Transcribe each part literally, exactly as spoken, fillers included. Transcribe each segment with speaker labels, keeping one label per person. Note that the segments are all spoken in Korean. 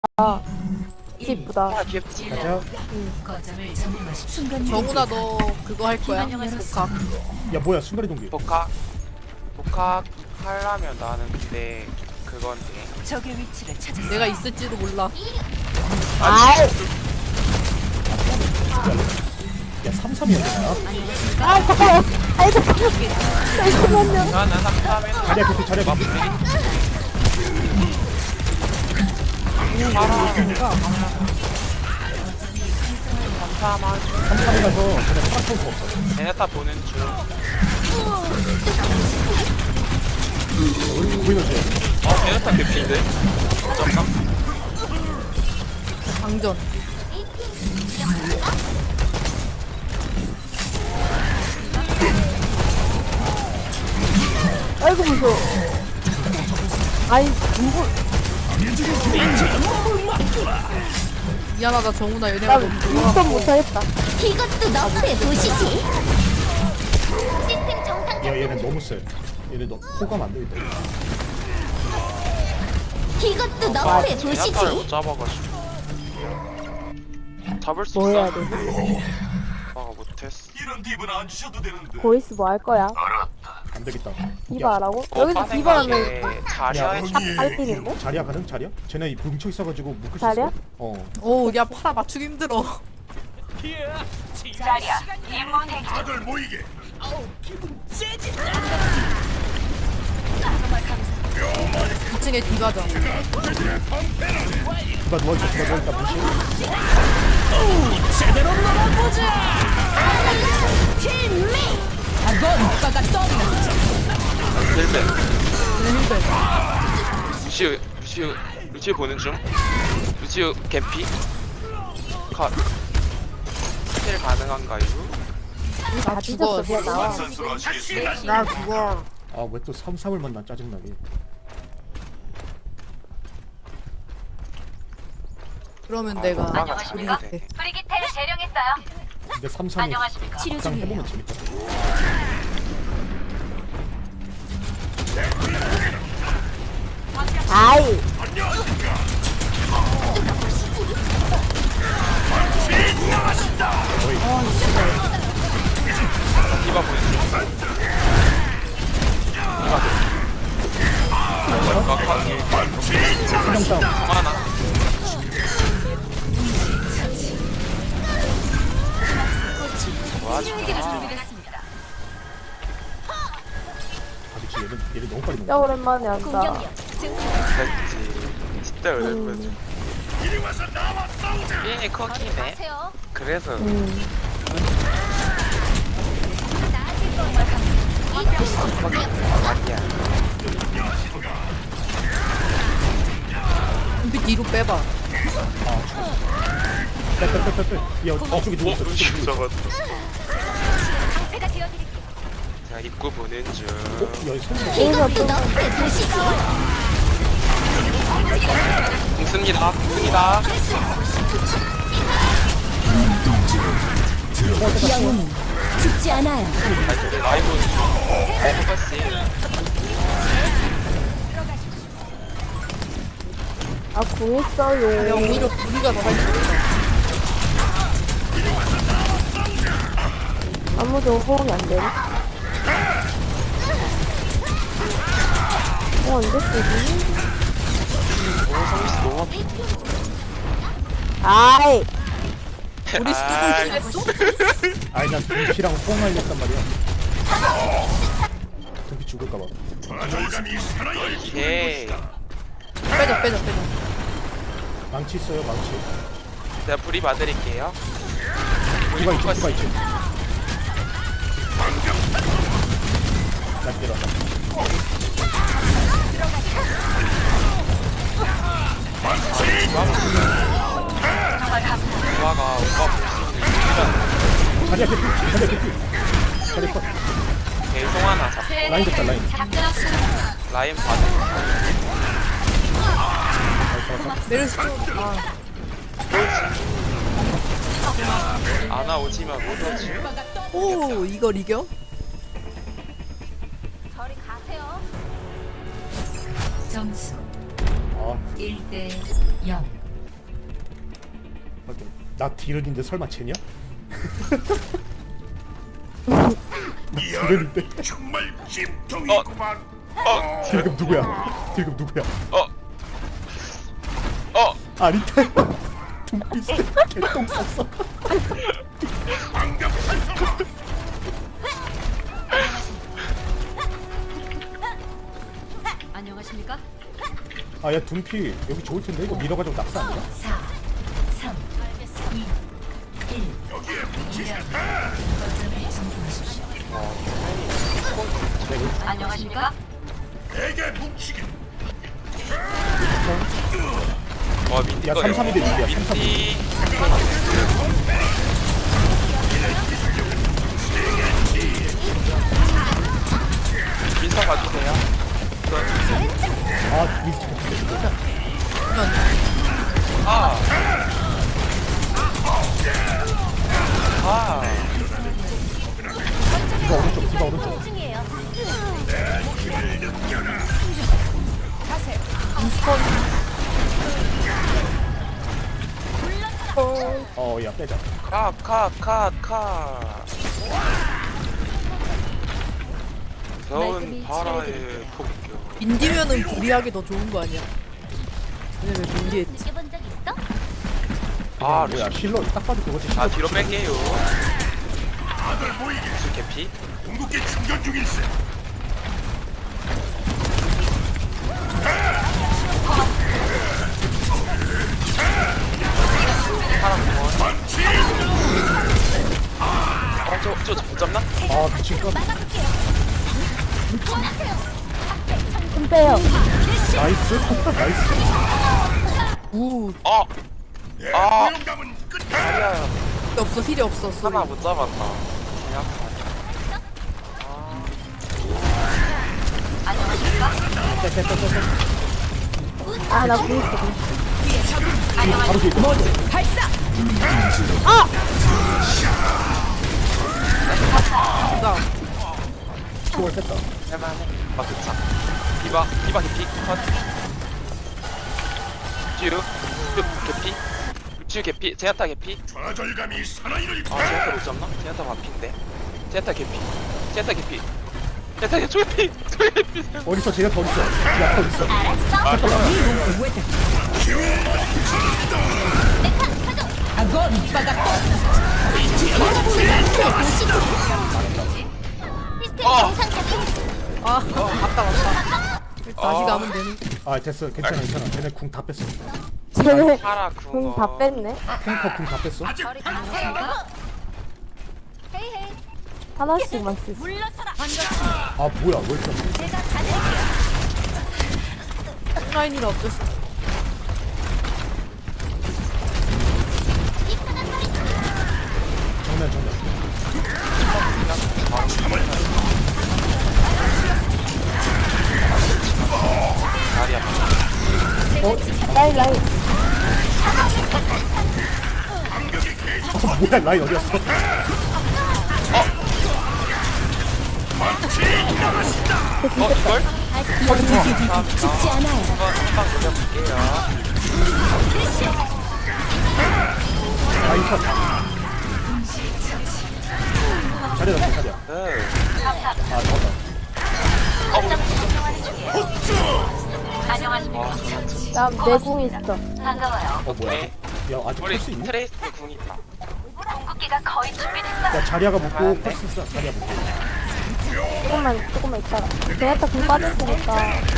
Speaker 1: 이쁘다.
Speaker 2: 아 귀엽지.
Speaker 3: 가자.
Speaker 4: 정훈아 너 그거 할 거야? 복학.
Speaker 3: 야 뭐야 순간이 동기.
Speaker 2: 복학 복학 하려면 나는 근데 그건 돼.
Speaker 5: 적의 위치를 찾았어.
Speaker 4: 내가 있을지도 몰라.
Speaker 1: 아이.
Speaker 3: 야 삼삼이야 되나?
Speaker 1: 아 잠깐만. 아이 잠깐만요.
Speaker 2: 나는 삼삼에는
Speaker 3: 자리야 그렇게 자리야
Speaker 2: 막
Speaker 3: 그렇게.
Speaker 2: 삼삼한
Speaker 3: 삼삼이 가서 그냥 파란 거 없어.
Speaker 2: 제네타 보는 중.
Speaker 3: 우리 보이너지?
Speaker 2: 어 제네타 개피인데? 어쩐가?
Speaker 4: 방전.
Speaker 1: 아이고 무서워. 아이 누구?
Speaker 4: 미안하다 정훈아
Speaker 1: 나
Speaker 4: 얘네가 너무
Speaker 1: 인턴 못하겠다.
Speaker 6: 이것도 너프의 도시지. 시스템 정상.
Speaker 3: 야 얘네 너무 세. 얘네 너 호감 안 되겠다.
Speaker 6: 이것도
Speaker 2: 아
Speaker 6: 너프의
Speaker 2: 제네타를
Speaker 6: 도시지.
Speaker 2: 못 잡아가지고 잡을 수
Speaker 1: 뭐 해야
Speaker 2: 있어.
Speaker 1: 돼?
Speaker 2: 아가 못했어.
Speaker 1: 보이스 뭐 할 거야?
Speaker 3: 안 되겠다.
Speaker 1: 디바라고?
Speaker 2: 어,
Speaker 1: 여기서 디바라면
Speaker 2: 생각에 자리야에
Speaker 1: 팔핀인데?
Speaker 3: 자리야 가능 자리야? 쟤네 뭉쳐 있어가지고 묶을 수
Speaker 1: 자리야?
Speaker 3: 있어? 어.
Speaker 4: 오야 파라 맞추기 힘들어.
Speaker 5: 자리야. 임무 대기.
Speaker 4: 이 층에 디바자.
Speaker 3: 디바 누워있어 디바 누워있다 무시.
Speaker 2: 힐맨.
Speaker 4: 힐벤.
Speaker 2: 루시우 루시우 루시우 보는 중. 루시우 개피. 컷. 힐 가능한가요?
Speaker 1: 다
Speaker 4: 나 죽어.
Speaker 1: 뒤졌어 그냥 나와.
Speaker 4: 나 죽어.
Speaker 3: 아 왜 또 삼삼을 만나 짜증나게.
Speaker 4: 그러면 내가
Speaker 2: 아가
Speaker 4: 우리
Speaker 2: 잡으면 돼.
Speaker 5: 브리기테를 재령했어요.
Speaker 3: 근데 삼삼이
Speaker 5: 안녕하십니까.
Speaker 3: 막상 해보면 재밌다.
Speaker 1: 아이.
Speaker 2: 디바 보는 중. 디바 컷.
Speaker 3: 한명 다운.
Speaker 2: 하나. 좋아 좋아.
Speaker 3: 아 미치 얘는 얘는 너무 빨리
Speaker 1: 진짜
Speaker 3: 먹어.
Speaker 1: 오랜만에 한다.
Speaker 6: 공격력.
Speaker 2: 됐지. 진짜 오랜만이지. 삐니 커키네.
Speaker 6: 하세요.
Speaker 2: 그래서
Speaker 1: 음.
Speaker 2: 아니야.
Speaker 4: 준비 뒤로 빼봐.
Speaker 3: 빼빼빼빼빼. 야 저쪽에 누구 있어? 저쪽에 누구 있어?
Speaker 2: 저거.
Speaker 6: 제가 되어드릴게요.
Speaker 2: 자 입구 보는 중.
Speaker 3: 어? 야 손.
Speaker 6: 이것도 너프의 도시지.
Speaker 2: 공습니다. 공습니다.
Speaker 6: 영웅은 죽지 않아요.
Speaker 2: 라이브 포커싱.
Speaker 1: 아궁 있어요.
Speaker 4: 야 오히려 우리가 더 할수 있어.
Speaker 1: 아무도 호응이 안 되네. 어 언제 쓰지?
Speaker 2: 오 서비스 너무.
Speaker 1: 아이.
Speaker 4: 우리 스톱을 했어?
Speaker 3: 아니 난 동피랑 호응하려단 말이야. 동피 죽을까봐.
Speaker 2: 오케이.
Speaker 4: 빼자 빼자 빼자.
Speaker 3: 망치 있어요 망치.
Speaker 2: 제가 불이 봐드릴게요.
Speaker 3: 디바 있지 디바 있지. 나 때려.
Speaker 2: 조아가 오빠 볼수
Speaker 3: 자리야 개피 자리야 개피. 자리 컷.
Speaker 2: 있는 계속 하나 잡.
Speaker 3: 라인 됐다 라인.
Speaker 2: 라인 받은.
Speaker 4: 메르시 좀. 아.
Speaker 2: 아나 오지만 못하지.
Speaker 4: 오 이걸 이겨?
Speaker 6: 저리 가세요.
Speaker 5: 점수
Speaker 3: 아
Speaker 5: 일 대 영.
Speaker 3: 나 딜은인데 설마 쟤냐? 나 딜은인데
Speaker 7: 정말
Speaker 2: 어,
Speaker 7: 찜통이구만.
Speaker 2: 어,
Speaker 3: 딜금 누구야? 딜금 누구야?
Speaker 2: 어, 어.
Speaker 3: 아리테 둠피스 개똥 쌌어.
Speaker 6: 안녕하십니까?
Speaker 3: 아야 둠피 여기 좋을 텐데 이거 밀어가지고 낙사 아니야?
Speaker 5: 안녕하십니까?
Speaker 7: 내게 뭉치게.
Speaker 2: 와 민디
Speaker 3: 야,
Speaker 2: 거예요.
Speaker 3: 삼삼이 대 민디야, 삼삼이.
Speaker 2: 민디. 민성 봐주세요.
Speaker 3: 아 미스터
Speaker 2: 아. 아.
Speaker 3: 디바 오른쪽 디바 오른쪽.
Speaker 6: 중이에요.
Speaker 3: 어야 빼자.
Speaker 2: 카, 카, 카, 카. 겨운 바라의 폭격.
Speaker 4: 인디면은 불리하게 더 좋은 거 아니야? 근데 왜 불리했지?
Speaker 6: 느껴본 적 있어?
Speaker 2: 아,
Speaker 3: 뭐야 힐러 딱 봐도 그거지.
Speaker 2: 아,
Speaker 3: 힐러
Speaker 2: 뒤로
Speaker 3: 붙이네.
Speaker 2: 뺄게요.
Speaker 7: 다들 모이게.
Speaker 2: 술 개피?
Speaker 7: 궁극기 충전 중일세.
Speaker 2: 파랑 원. 아, 저, 저, 저 못 잡나?
Speaker 3: 아 미친 거.
Speaker 1: 좀 빼요.
Speaker 3: 나이스 나이스.
Speaker 4: 우
Speaker 2: 어!
Speaker 7: 내
Speaker 2: 아.
Speaker 7: 고용감은 끝.
Speaker 2: 아니야.
Speaker 4: 없어 힐이 없어 소리.
Speaker 2: 하나 못 잡았다. 그냥.
Speaker 1: 아, 나 궁 있어.
Speaker 3: 바로 뒤에 있다.
Speaker 4: 나
Speaker 3: 초월 뺐다.
Speaker 2: 할만해. 아, 그차. 디바, 디바 개피. 컷. 쭈, 쭈 개피. 쭈 개피. 제아타 개피.
Speaker 7: 좌절감이 사나이를
Speaker 2: 아, 제아타 못 잡나? 제아타 마피인데. 제아타 개피. 제아타 개피. 제아타 개피. 초개피. 초개피.
Speaker 3: 어딨어 쟤가 더 어딨어? 야 더 어딨어?
Speaker 2: 아, 그럼.
Speaker 6: 시스템
Speaker 2: 어.
Speaker 6: 정상 작동.
Speaker 4: 아 맞다 맞다. 다시
Speaker 2: 아.
Speaker 4: 가면 되는.
Speaker 3: 아 됐어 괜찮아 괜찮아. 쟤네 궁 다 뺐어.
Speaker 1: 쟤네
Speaker 2: 파라
Speaker 1: 궁
Speaker 2: 궁어.
Speaker 1: 다 뺐네.
Speaker 3: 탱커 궁 다 뺐어.
Speaker 6: 안녕하십니까? 헤이 헤이.
Speaker 1: 하나씩만 쓰지.
Speaker 6: 물러서라.
Speaker 3: 아 뭐야 왜 이렇게 없어?
Speaker 6: 제가 가드릴게요.
Speaker 4: 라인이라 어땠어?
Speaker 6: 이쁘다 소리.
Speaker 3: 정면 정면.
Speaker 2: 다리 아파.
Speaker 1: 라인, 라인.
Speaker 3: 어, 뭐야 라인 어디였어?
Speaker 2: 어, 이걸?
Speaker 6: 죽지 않아요.
Speaker 2: 한번, 한방 노려볼게요.
Speaker 3: 라인 컷. 자리야 자리야 자리야.
Speaker 2: 네.
Speaker 3: 아 잡았다.
Speaker 2: 어, 우리
Speaker 5: 안녕하십니까?
Speaker 2: 와, 저는
Speaker 1: 나내 궁 있어.
Speaker 5: 반가워요.
Speaker 3: 어 뭐야?
Speaker 2: 네.
Speaker 3: 야 아직
Speaker 2: 우리
Speaker 3: 펄스 있니?
Speaker 2: 트레이스 궁 있다.
Speaker 5: 궁극기가 거의 준비됐어.
Speaker 3: 야 자리아가 묶고
Speaker 2: 아, 네.
Speaker 3: 펄스 있어. 자리아 묶고.
Speaker 1: 조금만, 조금만 있다가. 제네타 궁 빠졌으니까.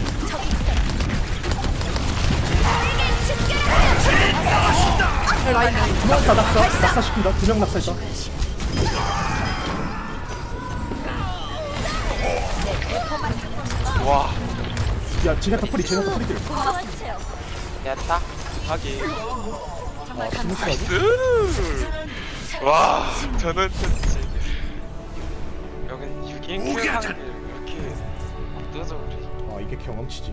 Speaker 4: 라인 라인.
Speaker 3: 낙사 낙사 낙사 시킨다. 두 명 낙사 있다.
Speaker 2: 와,
Speaker 3: 야 지네타 프리 지네타 프리들.
Speaker 2: 야타. 하기.
Speaker 3: 아 스무스하게.
Speaker 2: 으. 와, 저는 진짜. 여긴 육 인 킬 하는 게 이렇게 압도적으로.
Speaker 3: 아 이게 경험치지.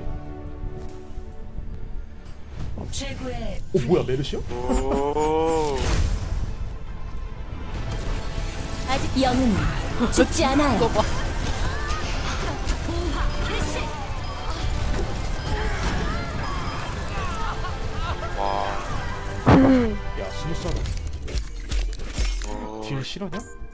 Speaker 5: 최고의
Speaker 3: 어 뭐야 메르시야?
Speaker 2: 오.
Speaker 6: 아직 영은 죽지 않아요.
Speaker 4: 이거 봐.
Speaker 2: 와.
Speaker 1: 음.
Speaker 3: 야 스무스하다. 딜 실화냐?